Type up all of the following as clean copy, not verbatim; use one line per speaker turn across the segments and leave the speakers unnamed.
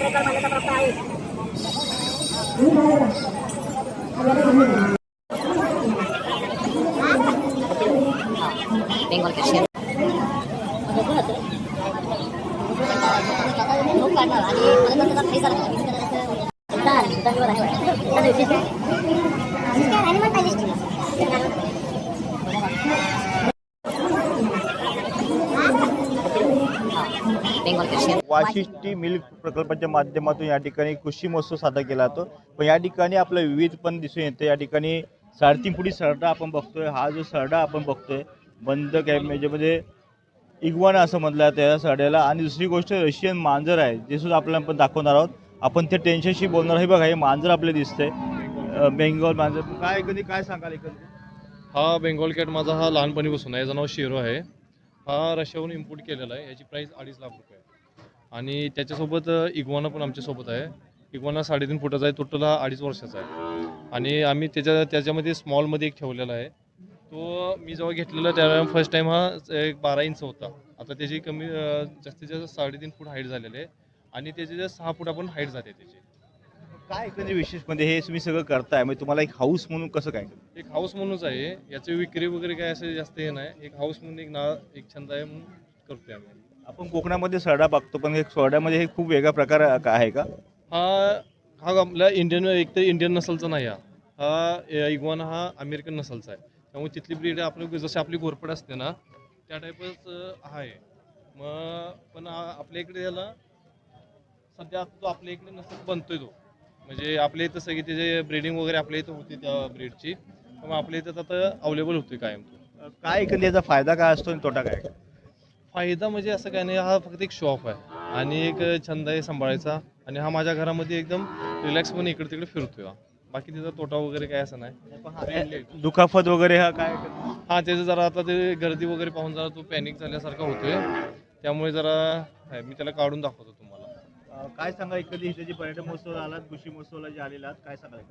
Bengal के शेर Bengal के शेर
वाशिष्ठी मिल्क प्रकल्पाच्या माध्यमातून या ठिकाणी कृषी महोत्सव साजरा केला जातो. पण या ठिकाणी आपलं विविध पण दिसून येते. या ठिकाणी 3.5 फुटी सरडा आपण बघतोय. हा जो सरडा आपण बघतोय बंद कॅमेऱ्यामध्ये इग्वाना असं म्हटलं जातं या सरड्याला. आणि दुसरी गोष्ट रशियन मांजर आहे जे सुद्धा आपल्याला आपण दाखवणार आहोत. आपण ते टेन्शनशी बोलणार आहे. बघा हे मांजर आपल्याला दिसतंय बेंगॉल मांजर. काय कधी काय सांगाल एकंदरीत?
हा बेंगॉल कॅट माझा हा लहानपणीपासून आहे. याचं नाव शेरो आहे. हा रशियाहून इम्पोर्ट केलेला आहे. याची प्राईस 2.5 लाख रुपये आहे. आणि त्याच्यासोबत इग्वाना पण आमच्यासोबत आहे. इग्वाना 3.5 फुटाचा आहे. टोटल हा 2.5 वर्षाचा आहे. आणि आम्ही त्याच्यामध्ये स्मॉलमध्ये एक ठेवलेला आहे. तो मी जेव्हा घेतलेला त्यावेळेला फर्स्ट टाईम हा एक 12 इंच होता. आता त्याची कमी जास्तीत जास्त 3.5 फूट हाईट झालेली आहे. आणि त्याची जे 6 फूट आपण हाईट जाते त्याची.
काय एकंदरीत विशेष म्हणजे हे तुम्ही सगळं करताय म्हणजे तुम्हाला एक हाऊस म्हणून कसं काय?
एक हाऊस म्हणूनच आहे. याची विक्री वगैरे काय असं जास्त हे नाही. एक हाऊस म्हणून एक छंद आहे म्हणून करतोय आम्ही.
आपण कोकणामध्ये सरडा बघतो पण हे सरड्यामध्ये हे खूप वेगळा प्रकार आहे का?
हा आपला एकतर इंडियन नसलचा नाही. हा इग्वाना हा अमेरिकन नसलचा आहे. त्यामुळे तिथली ब्रीड आपलं जशी आपली घोरपड असते ना त्या टाईपच आहे. मग पण आपल्या इकडे याला सध्या तो आपल्या इकडे नसल बनतोय तो. म्हणजे आपल्या इथं सगळी त्याची ब्रीडिंग वगैरे आपल्या इथं होती त्या ब्रीडची. मग आपल्या इथं आता अवेलेबल होतोय कायम तो.
काय एकंदरीत याचा फायदा काय असतो आणि तोटा काय?
फायदा म्हणजे असं काय नाही. हा फक्त एक शॉप आहे आणि एक छंद आहे सांभाळायचा. आणि हा माझ्या घरामध्ये एकदम रिलॅक्स पण इकडे तिकडे फिरतोय. बाकी त्याचा तोटा वगैरे काय असं नाही.
दुखापत वगैरे हा काय?
हा त्याचं जरा आता ते गर्दी वगैरे पाहून जरा तो पॅनिक झाल्यासारखा होतोय. त्यामुळे जरा मी त्याला काढून दाखवतो तुम्हाला.
काय सांगा एखादी इथे पर्यटन महोत्सव आलात कृषी महोत्सवाला जे आलेला आहात काय सांगाल?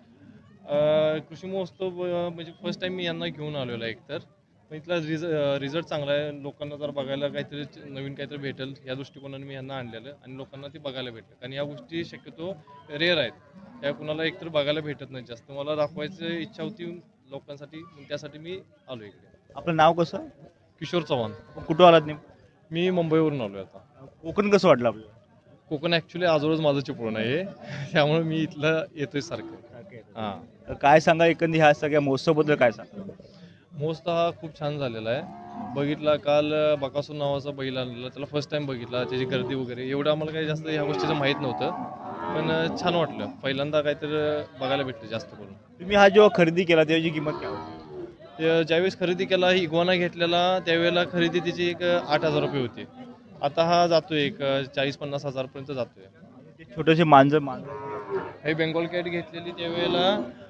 कृषी महोत्सव म्हणजे फर्स्ट टाइम मी यांना घेऊन आलेलो आहे. एकतर पण इथला रिझल्ट चांगला आहे. लोकांना जर बघायला काहीतरी नवीन काहीतरी भेटेल या दृष्टिकोनाने मी यांना आणलेलं आणि लोकांना ती बघायला भेटेल. कारण या गोष्टी शक्यतो रेअर आहेत. त्या कुणाला एकतर बघायला भेटत नाही जास्त. मला दाखवायची इच्छा होती लोकांसाठी. त्यासाठी मी आलो इकडे.
आपलं नाव कसं?
किशोर चव्हाण.
कुठं आलात नेमकं?
मी मुंबईवरून आलो आहे. आता
कोकण कसं वाटलं आपल्याला?
कोकण ॲक्च्युली आजवळच माझं चिपळूण आहे. त्यामुळे मी इथलं येतोय सारखं. हां.
काय सांगा एकंदरीत ह्या सगळ्या महोत्सवाबद्दल काय सांगा?
महोत्सव हा खूप छान झालेला आहे. बघितला काल बकासूर नावाचा बैल आणलेला. त्याला फर्स्ट टाइम बघितला. त्याची गर्दी वगैरे एवढं आम्हाला काही जास्त ह्या गोष्टीचं माहीत नव्हतं. पण छान वाटलं. पहिल्यांदा काहीतरी बघायला भेटलं जास्त करून.
तुम्ही हा जेव्हा खरेदी केला त्याची किंमत काय होती?
ज्यावेळेस खरेदी केला इग्वाना घेतलेला त्यावेळेला खरेदी त्याची एक 8,000 रुपये होती. आता हा जातोय एक 40-50 हजारपर्यंत जातोय.
छोटेसे मांजर
हे बेंगॉल कॅट घेतलेली त्यावेळेला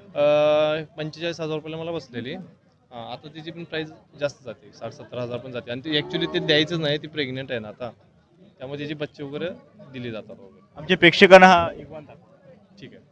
45,000 रुपयाला मला बसलेली. आता तिची पण प्राईस जास्त जाते. 60-70 हजार पण जाते. आणि ती ॲक्च्युली ते द्यायचंच नाही. ती प्रेग्नेंट आहे ना आता. त्यामुळे तिची बच्चे वगैरे दिली जातात वगैरे.
आमच्या प्रेक्षकांना हा इग्वाना
ठीक आहे.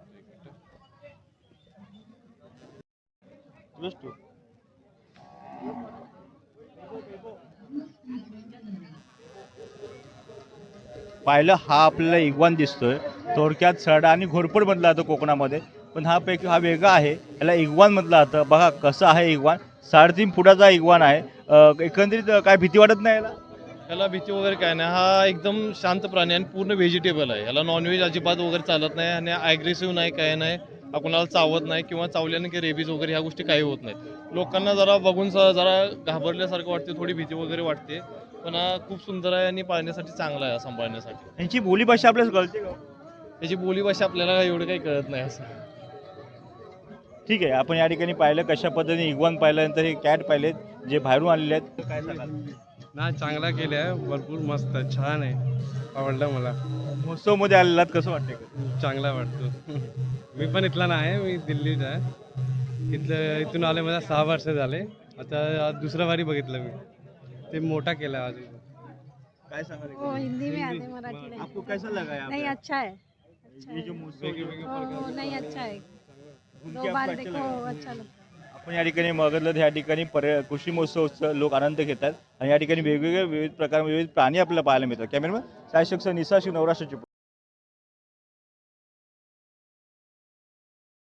पाहिलं हा आपल्याला इग्वान दिसतोय. थोडक्यात सरडा आणि घोरपड म्हटलं जातं कोकणामध्ये. पण हा पैकी हा वेगळा आहे. याला इग्वान म्हटलं जातं. बघा कसं आहे इग्वान. 3.5 फुटाचा इग्वान आहे. एकंदरीत काय भीती वाटत नाही याला?
याला भीती वगैरे काय नाही. हा एकदम शांत प्राणी आणि पूर्ण व्हेजिटेबल आहे. याला नॉनव्हेज अजिबात वगैरे चालत नाही. आणि ॲग्रेसिव्ह नाही काय नाही. कुणाला चावत नाही किंवा चावल्याने की रेबीज वगैरे ह्या गोष्टी काही होत नाहीत. लोकांना जरा बघून जरा घाबरल्यासारखं वाटते. थोडी भीती वगैरे वाटते. पण हा खूप सुंदर आहे आणि पाळण्यासाठी चांगला आहे. सांभाळण्यासाठी.
यांची बोलीभाषा आपल्याला कळते का?
त्याची बोलीभाषा आपल्याला एवढं काही कळत नाही असं.
ठीक आहे. आपण या ठिकाणी पाहिलं कशा पद्धतीने इग्वान पाहिल्यानंतर हे कॅट पाहिलेत जे बाहेरून आलेले आहेत. काय सांगाल?
ना चांगला केलं आहे. भरपूर मस्त छान आहे. आवडलं मला.
महोत्सवमध्ये आलेला आहात कसं वाटतंय?
चांगला वाटतो. मी पण इथला नाही. मी दिल्लीत आहे. इथून आले मला 6 वर्ष झाले. आता दुसरा वारी बघितलं मी. ते मोठा केला आज.
काय सांगाल?
वो हिंदी में आते मराठी नहीं।
आपको कैसा लगा यहाँ
नहीं
पे?
अच्छा है, अच्छा
ये
है।
जो महोत्सव
नहीं अच्छा है।
घूम
दो
के
बार
आपको अच्छा
देखो
लगा?
अच्छा लगता है।
आपण या ठिकाणी बघितलं या ठिकाणी कृषी महोत्सव लोक आनंद घेतात आणि या ठिकाणी वेगवेगळे विविध प्रकार विविध प्राणी आपल्याला पाहायला मिळतात. कॅमेरामॅन सायशक्ष निसाशी नवराष्ट्राची